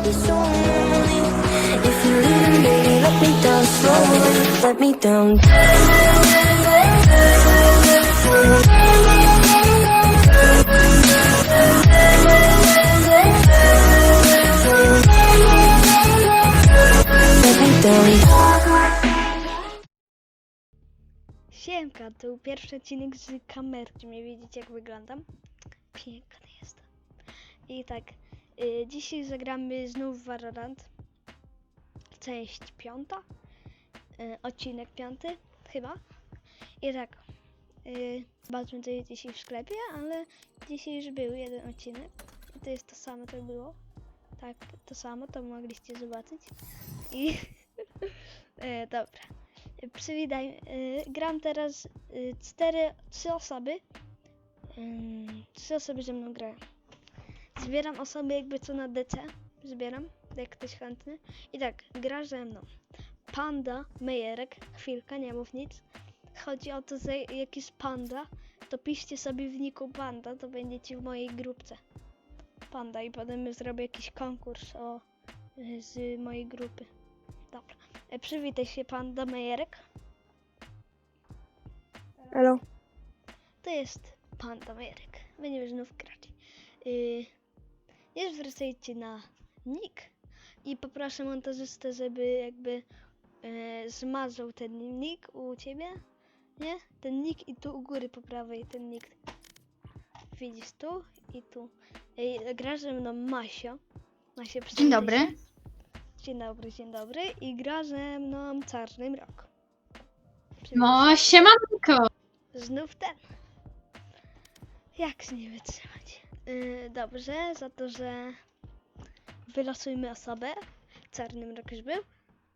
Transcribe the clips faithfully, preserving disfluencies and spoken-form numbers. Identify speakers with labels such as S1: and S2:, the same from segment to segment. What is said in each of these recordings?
S1: be so lonely. If you leave, baby, let me down slowly. Let me down. Let me down.
S2: Siemka, to był pierwszy odcinek z kamerki. Nie widzicie, jak wyglądam? Piękny jestem. I tak, y, dzisiaj zagramy znów w Valorant. Część piąta. Y, odcinek piąty, chyba. I tak, y, zobaczmy co jest dzisiaj w sklepie, ale dzisiaj już był jeden odcinek. I to jest to samo, co było. Tak, to samo, to mogliście zobaczyć. I y, dobra. Przywitaj, yy, gram teraz yy, cztery, trzy osoby. Yy, trzy osoby ze mną grają. Zbieram osoby jakby co na D C. Zbieram, jak ktoś chętny. I tak, gra ze mną Panda, Mejerek, chwilka, nie mów nic. Chodzi o to, że jak jest Panda, to piszcie sobie w niku Panda, to będziecie w mojej grupce. Panda i potem zrobię jakiś konkurs o, yy, z mojej grupy. Dobra. E, przywitaj się, Panda Mejerek.
S3: Halo.
S2: To jest Panda Mejerek. Będziemy znów grać. Yy, nie zwracajcie na nick i poproszę montażystę, żeby jakby yy, zmazał ten nick u ciebie. Nie? Ten nick i tu u góry po prawej ten nick. Widzisz tu i tu. Yy, gra ze mną Masio. Masio,
S3: Dzień dobry.
S2: się. Dzień dobry, dzień dobry. I gra ze mną Czarny Mrok.
S3: No, siemanko.
S2: Znów ten. Jak z nie wytrzymać? Yy, dobrze, za to, że wylosujmy osobę. Czarny Mrok już był.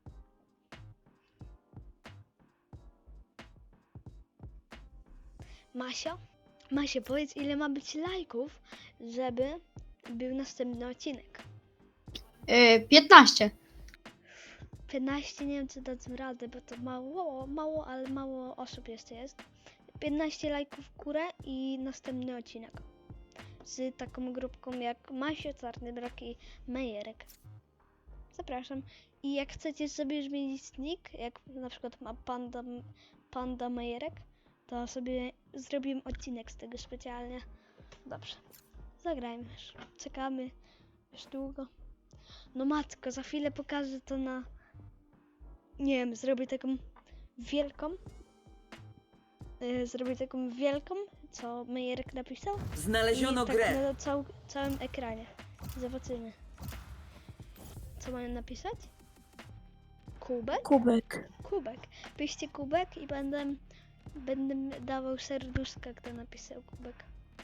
S2: Masio? Masio, powiedz, ile ma być lajków, żeby był następny odcinek.
S3: Yy, piętnaście.
S2: piętnaście, nie wiem czy dadzą radę, bo to mało, mało, ale mało osób jeszcze jest. piętnaście lajków w górę i następny odcinek. Z taką grupką jak Masio, Czarny Mrok i Mejerek. Zapraszam. I jak chcecie sobie zmienić nick, jak na przykład ma Panda, Panda Mejerek, to sobie zrobimy odcinek z tego specjalnie. Dobrze. Zagrajmy już. Czekamy już długo. No matko, za chwilę pokażę to na... Nie wiem, zrobię taką wielką. Yy, zrobię taką wielką, co Mejerek napisał.
S4: Znaleziono
S2: I tak
S4: grę.
S2: na cał, całym ekranie. Zobaczymy. Co mają napisać? Kubek?
S3: Kubek.
S2: Kubek. Piszcie kubek i będę, będę dawał serduszka, kto napisał kubek.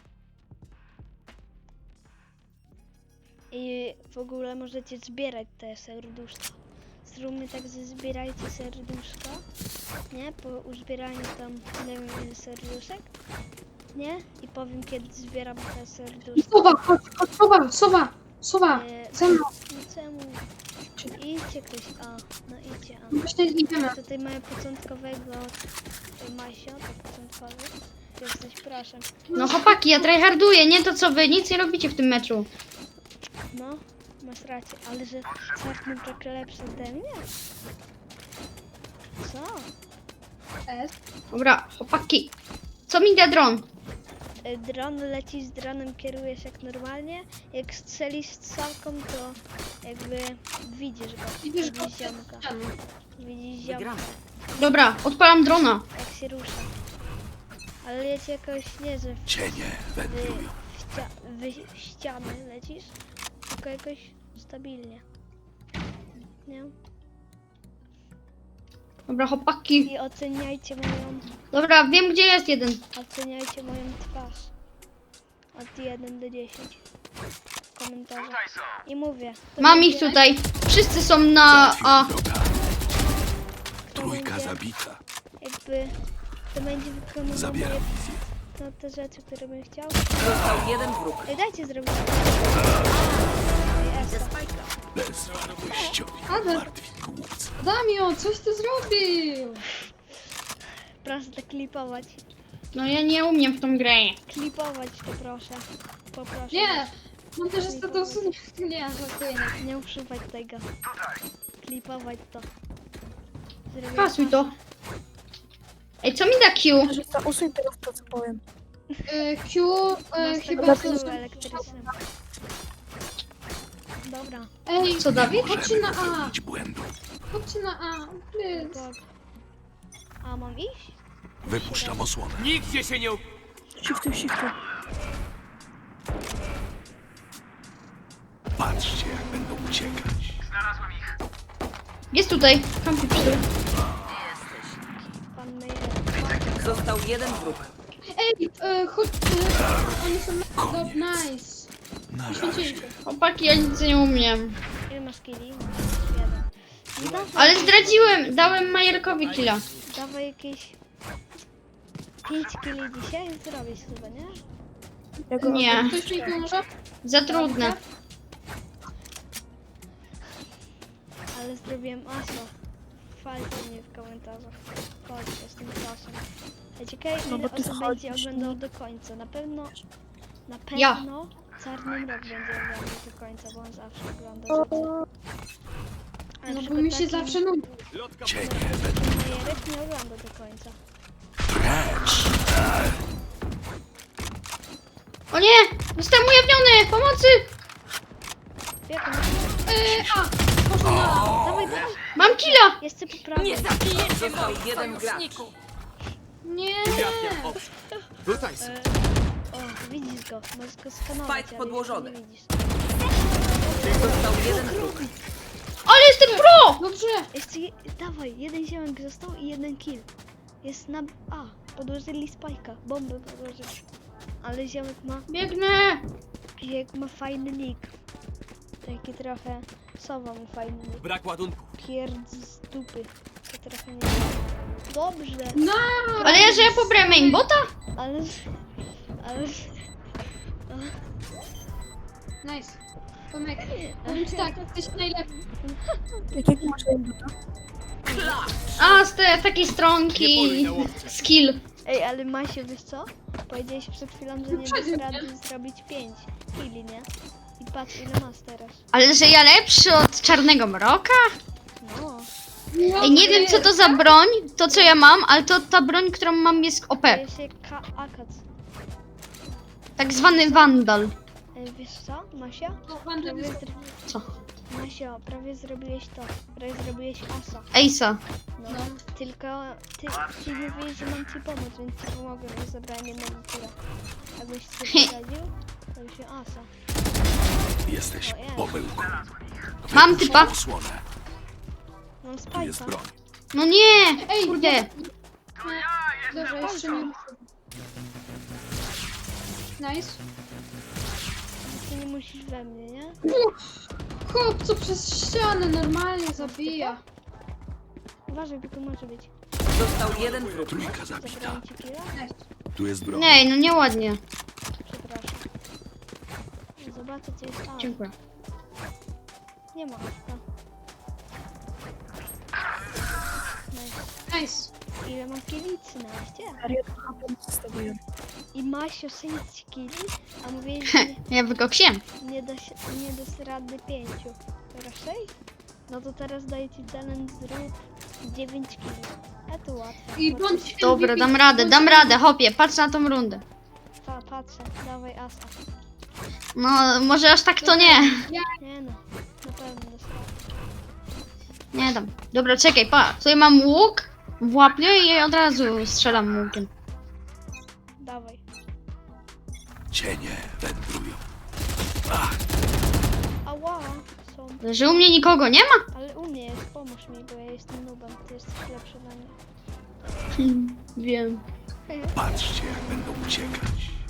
S2: I w ogóle możecie zbierać te serduszka. Zróbmy tak, że zbierajcie serduszka, nie? Po uzbieraniu tam, nie wiem ile serduszek, nie? I powiem kiedy zbieram te serduszka.
S3: Sowa, chodź, chodź, sowa, sowa, sowa.
S2: E,
S3: Ze mną.
S2: no czemu? Idźcie ktoś, a, no idźcie, a.
S3: Właśnie idziemy.
S2: Tutaj mamy początkowego Masio, to początkowy. Jesteś, proszę.
S3: No chłopaki, ja tryharduję, nie to co wy, nic nie robicie w tym meczu.
S2: No, masz rację, ale że Czarny Mrok lepszy ode mnie? Co?
S3: Dobra, chłopaki. Co mi da dron?
S2: Y, Dron leci z dronem, kierujesz jak normalnie. Jak strzelisz strzałką, to jakby widzisz go.
S3: Widzisz go?
S2: Widzisz ziomka. Widzisz ziomka,
S4: Wygramy.
S3: Dobra, odpalam drona.
S2: jak się rusza. Ale leci jakoś nie, że w,
S5: Cienie
S2: wy,
S5: wędrują.
S2: w, ścia, wy w ściany lecisz, tylko jakoś stabilnie. Nie?
S3: Dobra, chłopaki.
S2: I oceniajcie moją,
S3: Dobra, wiem gdzie jest jeden.
S2: oceniajcie moją twarz. Od jeden do dziesięciu. W komentarzach. I mówię. to
S3: Mam
S2: będzie-
S3: ich tutaj. Wszyscy są na A.
S5: Wroga.
S2: to
S5: Trójka
S2: będzie
S5: zabita.
S2: Jakby to będzie wykonywał
S5: Zabieram
S2: moje,
S5: wizję.
S2: no, te rzeczy, które bym chciał.
S4: Został jeden wróg.
S2: Ej, dajcie zrobić. Ej, Esa.
S5: Bezwartościowi
S3: Ale-
S5: martwi głupcy.
S3: Damio, coś ty zrobił.
S2: Proszę to klipować.
S3: No ja nie umiem w tą grę.
S2: Klipować to proszę. Poproszę.
S3: Nie. Montażysta to usunie. Nie, żartuję. Nie.
S2: Nie używaj tego. Klipować to. Zrobię
S3: Kasuj to. Ej, co mi da Q?
S4: Montażysta, usuń teraz to, co powiem.
S3: Y, Q y, chyba
S2: chyba
S3: to...
S2: elektrycznym. Dobra.
S3: Ej,
S5: Co, Dawid?
S3: chodźcie na A.
S5: popełnić błędu.
S3: Chodźcie na A. Please.
S2: Tak. A mam iść?
S5: Wypuszczam osłonę.
S6: Nigdzie się nie... u-
S4: Shiftuj, shiftuj.
S5: Patrzcie, jak będą uciekać.
S3: Jest tutaj. Kampi przy tym.
S2: Pan Meyer.
S7: Został jeden wróg.
S3: Ej, y, chodź. Y, oni są na...
S5: Koniec.
S3: Do, nice.
S5: Na razie.
S3: Poświęcili się. Chłopaki, ja nic nie umiem.
S2: Ile masz killi? Jeden. No dawaj,
S3: Ale zdradziłem. Dałem Majerkowi killa.
S2: dawaj jakieś pięć killi dzisiaj zrobić chyba, nie?
S4: Ja go
S3: Nie.
S4: oddam.
S3: Ktoś mi pomoże? Za trudne.
S2: Ale zrobiłem aso. Chwalcie mnie w komentarzach. Chodźcie z tym czasem. Ja ciekawe
S4: No
S2: ile
S4: bo ty
S2: osób
S4: chodzisz,
S2: będzie oglądał do końca. Na pewno, na
S3: Ja.
S2: pewno Czarny Mrok będzie oglądał do końca, bo on zawsze ogląda rzeczy. A na
S3: No bo
S2: przykład
S3: mi się
S2: taki
S3: zawsze nudzi.
S6: Lotka
S5: Cienie
S2: Majerek nie ogląda do końca.
S5: precz.
S3: O nie! Zostałem ujawniony! Pomocy!
S2: Jak on?
S3: Yy, a! Poszło na A.
S2: Dawaj, dawaj!
S3: Mam killa!
S2: Jeszcze po prawej.
S7: Został jeden gracz.
S3: Nie!
S6: kwiatkiem obcy. Tutaj są.
S2: E, o, widzisz go. Możesz go skanować,
S7: Spike
S2: ale
S7: podłożony.
S2: jeszcze nie widzisz.
S7: Został jeden wróg.
S3: Ale jestem pro! Dobrze!
S2: Jeszcze, je, dawaj, jeden ziomek został i jeden kill. Jest na... A, podłożyli spajka. Bombę podłożyli. Ale ziomek ma...
S3: Biegnę!
S2: Jak ma fajny nick. Taki trochę... Sowa ma fajny nick.
S6: Brak ładunków.
S2: Pierdz z dupy. To trochę nie... Dobrze.
S3: No! Ale ja, że ja pobrałem aimbota?
S2: Ale... Ale...
S3: Nice. Tomek, powiem ci tak, jesteś najlepszy.
S4: Jakiego masz aimbota?
S3: A, z te, takiej
S6: Nie
S3: stronki.
S6: poluj na łowcę.
S3: Skill.
S2: Ej, ale Masiu, wiesz co? Powiedziałeś przed chwilą, że nie dasz
S3: Wyprzedził
S2: rady zrobić pięć killi, nie? I patrz ile masz teraz.
S3: Ale że ja lepszy od Czarnego Mroka?
S2: No.
S3: Ej, nie wiem co to za broń, to co ja mam, ale to ta broń, którą mam jest O
S2: To
S3: P.
S2: jest jak Ka- Akac.
S3: Tak zwany Vandal.
S2: Ej, wiesz co, Masia? Prawie zr-
S3: Co?
S2: Masio, prawie zrobiłeś to. Prawie zrobiłeś asa.
S3: Ace'a.
S2: No. Tylko ty, ci mówiłeś, że mam ci pomóc, więc ci pomogłem i zabrałem jednego kura. Jakbyś się poradził, to by się asa.
S5: Jesteś pomyłką.
S3: Mam
S5: Wypuszczam
S3: typa.
S5: osłonę.
S2: Mam
S5: Tu jest
S2: spajka.
S5: broń.
S3: No nie! Ej, kurde.
S8: Dobrze, jeszcze nie. Nice.
S2: Ty nie musisz we mnie, nie?
S8: Chłop, co przez ścianę normalnie zabija.
S2: Uważaj, bo tu może być.
S7: Został jeden wróg.
S5: Trójka zabita.
S2: Zabrałem ci killa?
S5: Tu jest broń.
S3: Nie, no nieładnie.
S2: Przepraszam. Zobaczę, co jest. A,
S3: Dziękuję.
S2: nie ma awka. Nice.
S8: Nice.
S2: Ile mam killi? trzynaście.
S4: Serio, to H P zostawiłem.
S2: I Masio sześć killi, a mówiłeś, że nie,
S3: Ja wykoksiłem.
S2: nie da się, nie da rady pięciu. Teraz sześć? No to teraz daję ci challenge, zrób dziewięć killi. A to łatwe.
S8: I
S2: Bo-
S8: bądź
S3: Dobra, dam radę, dam radę, hopie, patrz na tą rundę.
S2: Pa, patrzę, dawaj asa.
S3: No, może aż tak to nie.
S2: Nie no, na pewno dostanę.
S3: Nie dam. Dobra, czekaj, pa. Tutaj mam łuk w łapie i od razu strzelam łukiem.
S2: Dawaj.
S5: Cienie wędrują.
S2: Ała, są.
S3: Że u mnie nikogo nie ma?
S2: Ale u mnie jest, pomóż mi, bo ja jestem nubem, ty jesteś lepszy ode mnie.
S3: Wiem.
S5: Patrzcie, jak będą uciekać.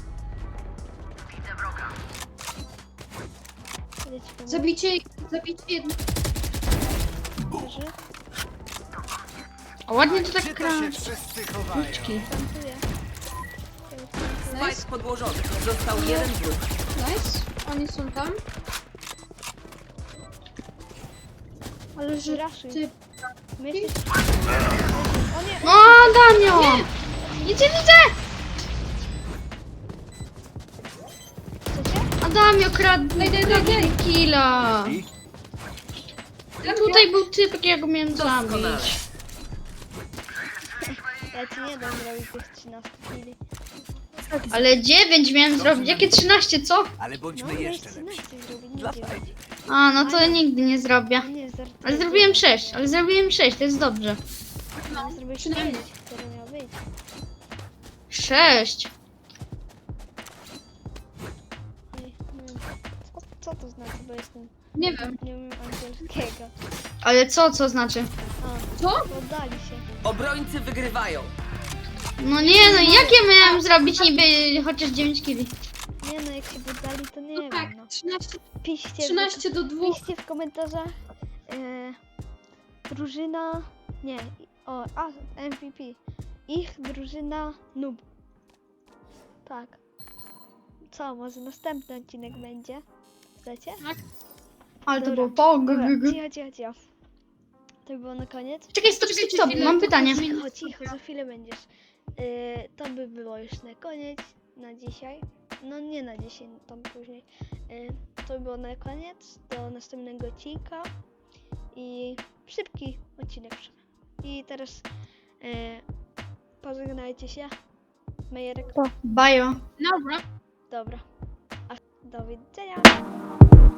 S2: Idę ci pomóc.
S8: Zabicie, zabicie jedno.
S2: Leży,
S3: A ładnie to tak
S6: Gdzie
S3: gra.
S6: to się wszyscy chowają?
S2: plantuję.
S7: Spike podłożony. Został jeden wróg.
S8: Nice. Oni są tam. Ale że
S2: Raszuj.
S8: ty...
S2: Myślisz? O nie!
S3: O, Danio! Nic nie widzę!
S2: Chcecie?
S3: Ada! Dała mi okradł
S8: Daj, daj, daj, daj.
S3: killa.
S5: I
S3: Tutaj był typ, ja go miałem
S7: Doskonale.
S3: zabić.
S2: Ja ci nie dam zrobić tych trzynastu chwili.
S3: Ale dziewięć miałem zrobić. Jakie trzynaście, co?
S6: Ale
S2: No,
S6: bądźmy
S2: miałeś
S6: jeszcze lepsi.
S2: trzynaście zrobić, nie dziewięć.
S3: A, no to nigdy nie zrobię.
S2: No nie, żartuję.
S3: Ale zrobiłem sześć, ale zrobiłem sześć, to jest dobrze.
S2: No, zrobiłeś
S8: przynajmniej.
S2: pięć, które miało być.
S3: sześć.
S2: Ej, nie wiem, co, co to znaczy, bo jestem,
S8: Nie wiem.
S2: nie wiem angielskiego.
S3: Ale co, co znaczy?
S2: A,
S8: Co?
S2: poddali się.
S7: Obrońcy wygrywają.
S3: No nie, no jak ja miałem zrobić niby chociaż dziewięć killi?
S2: Nie no, jak się poddali, to nie
S8: No
S2: wiem,
S8: tak,
S2: no.
S8: trzynaście,
S2: Piszcie,
S8: trzynaście do dwóch.
S2: piszcie w komentarzach e, drużyna, nie, o, a, M V P. Ich drużyna noob. Tak. Co, może następny odcinek będzie? Chcecie?
S3: Ale to
S2: Dobra.
S3: było po.
S2: Dobra, cicho, cicho, cicho. To by było na koniec.
S3: Czekaj, stop, stop, stop, mam pytanie.
S2: Cicho, cicho, za chwilę będziesz. Yy, to by było już na koniec, na dzisiaj. No nie na dzisiaj, no tam później. Yy, to by było na koniec, do następnego odcinka. I szybki odcinek. I teraz yy, pożegnajcie się. Majerek.
S3: Bajo.
S8: Dobra.
S2: Dobra. A, do widzenia.